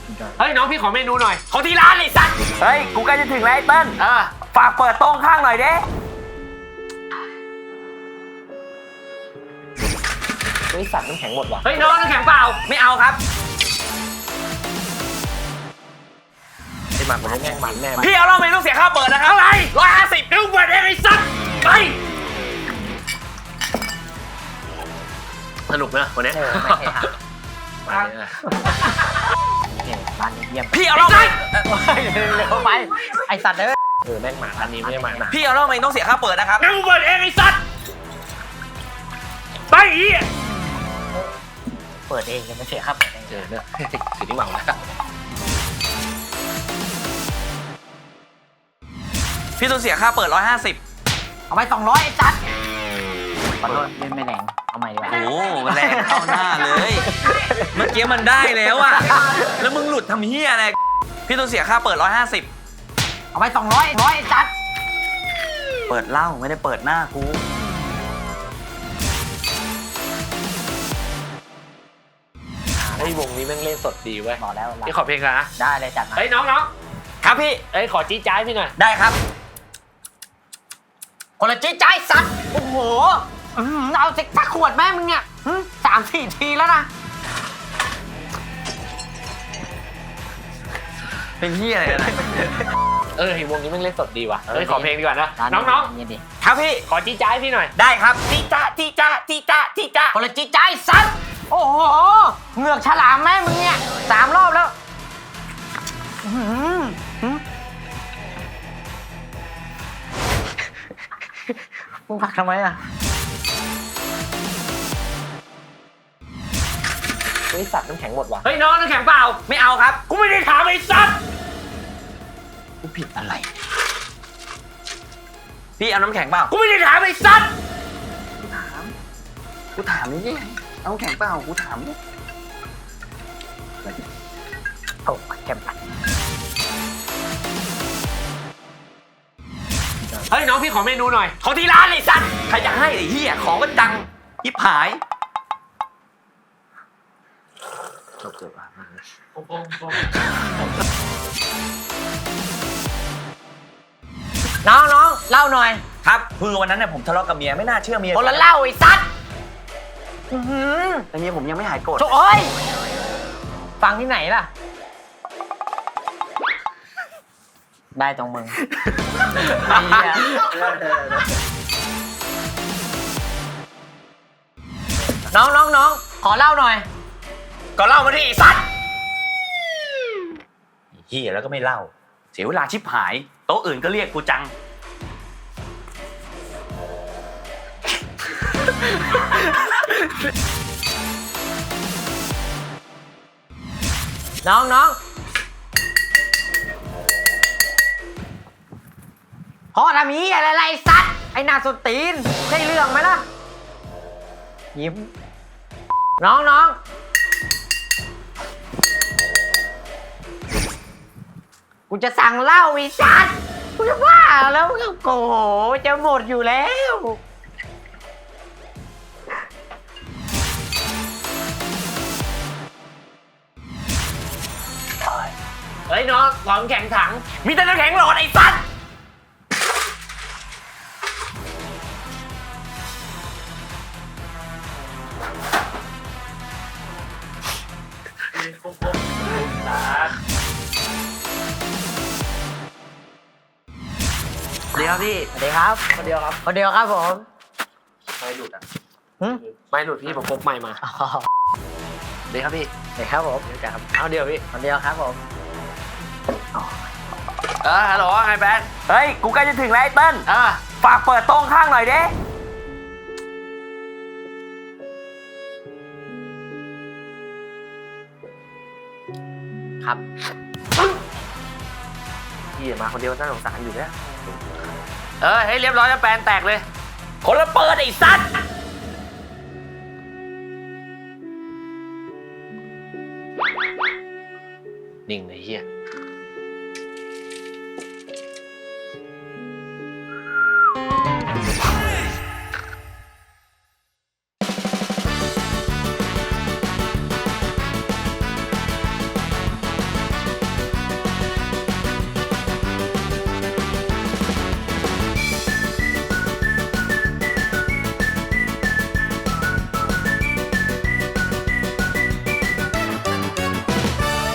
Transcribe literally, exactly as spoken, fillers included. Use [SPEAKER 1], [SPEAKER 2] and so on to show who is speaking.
[SPEAKER 1] เฮ้ยน้องพี่ขอเมนูหน่อยขอที่ร้านเลยสัตว์
[SPEAKER 2] เฮ้ยกูใกล้จะถึงแล้วไอ้เติ้ล
[SPEAKER 1] เออ
[SPEAKER 2] ฝากเปิดโต๊ะข้างหน่อยเด้
[SPEAKER 1] เฮ้ยสัตว์น้ำแข็งหมดว่ะเฮ้ยน้องน้ำแข็งเปล่า
[SPEAKER 2] ไม่เอาครับ
[SPEAKER 1] ไอ้หมันมันแม่งมันแน่
[SPEAKER 2] พี่เอาเหล้าไม่ต้องเสียค่าเปิดนะครับ
[SPEAKER 1] เท่าไหร่ร้อยห้าสิบเดี๋ยวเปิดเองไอ้สัตว์ไปสนุกนะวันนี้
[SPEAKER 3] เออไม่ใช่ค่ะ
[SPEAKER 1] มาเนี่ย
[SPEAKER 3] เนี่ยร้านนี้เยี่ยม
[SPEAKER 2] พี่เอาเหล้าไม่
[SPEAKER 3] เร็วไปไอสัตว์เด้อ
[SPEAKER 1] เออแม่งหมาร้านนี้ไม่ได้หมาหนา
[SPEAKER 2] พี่เอาเหล้าไม่ต้องเสียค่าเปิดนะครับ
[SPEAKER 1] งั้นกูเปิดเองไอ้สัตว์ไปอีก
[SPEAKER 3] เปิดเองยังไม่เสียค่าเปิดเอง
[SPEAKER 1] เออเนี่ยถือที่เมาแล้ว
[SPEAKER 2] พี่ต้องเสียค่าเปิดร้อยห้าสิบ
[SPEAKER 3] เอาไปสองร้อยไอสัตว์ขอโทษเล่นไม่แรงเอาใหม่ดีกว่า
[SPEAKER 2] โอ้แรงเข้าหน้าเลย เมื่อกี้มันได้แล้วอะแล้วมึงหลุดทำเฮียอะไร พี่ต้องเสียค่าเปิดร้อยห้าสิบ
[SPEAKER 3] เอาไปสองร้อยร้อยไอสัตว์
[SPEAKER 2] เปิดเหล้าไม่ได้เปิดหน้ากู
[SPEAKER 1] ไอ้ยวงนี้แม่งเล่นสดดีเว้ย
[SPEAKER 3] บอกแล้ว
[SPEAKER 1] พี่ขอเพลงนะ
[SPEAKER 3] ได้เลยจัดมา
[SPEAKER 1] เฮ้ยน้องน้อง
[SPEAKER 2] ครับพี่
[SPEAKER 1] เอ้ยขอจี้จ้ายพี่หน่อย
[SPEAKER 2] ได้ครับ
[SPEAKER 3] คนละจี้ใจสัตว์โอ้โหอื้อหือเอาสิสักขวดแม่มึงเนี่ยหึสามสี่ทีแล้วนะ
[SPEAKER 2] เป็นเฮียอะไรกันนะ
[SPEAKER 1] เออไอ้วงนี้แม่งเล่นสดดีว่ะเฮ้ยขอเพลงดีกว่านะ
[SPEAKER 3] ร้า
[SPEAKER 1] น้องน้อง
[SPEAKER 3] เย็นดิ
[SPEAKER 2] ครับพี่
[SPEAKER 1] ขอจี้จ้ายพี่หน่อย
[SPEAKER 2] ได้ครับจีจ้าจีจ้าจีจ้าจีจ้า
[SPEAKER 3] คนละจี้ใจสัตว์โอ้โหเหงือกฉลามแม่มึงเนี่ยสามรอบแล้วอื้อหือหึมึงผลักทำไมอ่ะ
[SPEAKER 1] เฮ้ยสัตว์น้ำแข็งหมดว่ะเฮ้ยน้องน้ำแข็งเปล่า
[SPEAKER 2] ไม่เอาครับ
[SPEAKER 1] กูไม่ได้ถามไอ้สัตว์
[SPEAKER 2] กูผิดอะไร พี่เอาน้ำแข็งเปล่า
[SPEAKER 1] กูไม่ได้ถามไอ้สัตว์
[SPEAKER 2] กูถามนี่เอาน้ำแข็งเปล่า กูถามนี่
[SPEAKER 3] โอ้แข็มปัด
[SPEAKER 1] เฮ้ยน้องพี่ขอเมนูหน่อยขอที่ร้านเลยสัตว์
[SPEAKER 2] ใครจะให้ไอ้เหี้ยของก็ดังยิบหาย
[SPEAKER 1] จบจบอ่ะ
[SPEAKER 3] น้องน้องเล่าหน่อย
[SPEAKER 2] ครับคือวันนั้นเนี่ยผมทะเลาะกับเมียไม่น่าเชื่อเมีย
[SPEAKER 3] คนละเล่าไอ้สัตว์อื้อหือ
[SPEAKER 2] แต่เมียผมยังไม่หายโกรธ
[SPEAKER 3] โอ้ยฟังที่ไหนล่ะ ได้ตรงมึง น้องน้องน้องขอเล่าหน่อย
[SPEAKER 2] ก็เล่ามาที่ไอ้สัตว์เหี้ยแล้วก็ไม่เล่า เสียเวลาชิบหาย โต๊ะอื่นก็เรียกกูจัง
[SPEAKER 3] น้องน้องพ่อทำนี้อะไรไรสัตว์ไอ้หน้าสนตีนใช่เรื่องไหมล่ะ ยิ้ม น้องน้องกูจะสั่งเหล้าอีสัตว์กูจะว่าแล้วก็โกหจะหมดอยู่แล้ว
[SPEAKER 1] เฮ้ยน้องขอน้ำแข็งถัง
[SPEAKER 2] มีแต่น้ำแข็งหลอดไอ้สัตว์ เดี๋ยวพี่
[SPEAKER 3] สวัสดีครับ
[SPEAKER 1] คนเดียวครับ
[SPEAKER 3] คนเดียวครับผม
[SPEAKER 1] ไม่หลุดอ่ะ
[SPEAKER 3] หึ
[SPEAKER 1] ไม่หลุดพี่ผมพกไม้มา
[SPEAKER 3] อ๋อ
[SPEAKER 1] เดี๋ยวครับพี่
[SPEAKER 3] สวัสดีครับผม
[SPEAKER 1] เดี๋ยวครับเอาเดี๋ยวพี่
[SPEAKER 3] คนเดียวครับผมอ๋อ
[SPEAKER 1] เออฮัลโหลไงแบน
[SPEAKER 2] เฮ้ย กูใกล้จะถึงแล้วไอ้เติ้ล
[SPEAKER 1] อ่า
[SPEAKER 2] ฝากเปิดโต๊ะข้างหน่อยเด้
[SPEAKER 3] ครับ
[SPEAKER 1] พี่มาคนเดียวน่าสงสารอยู่เนี่ยเออให้เรียบร้อยแล้วแปลนแตกเลย
[SPEAKER 2] คนละเปิดไอ้สัตว์
[SPEAKER 1] นิ่งเลยเฮีย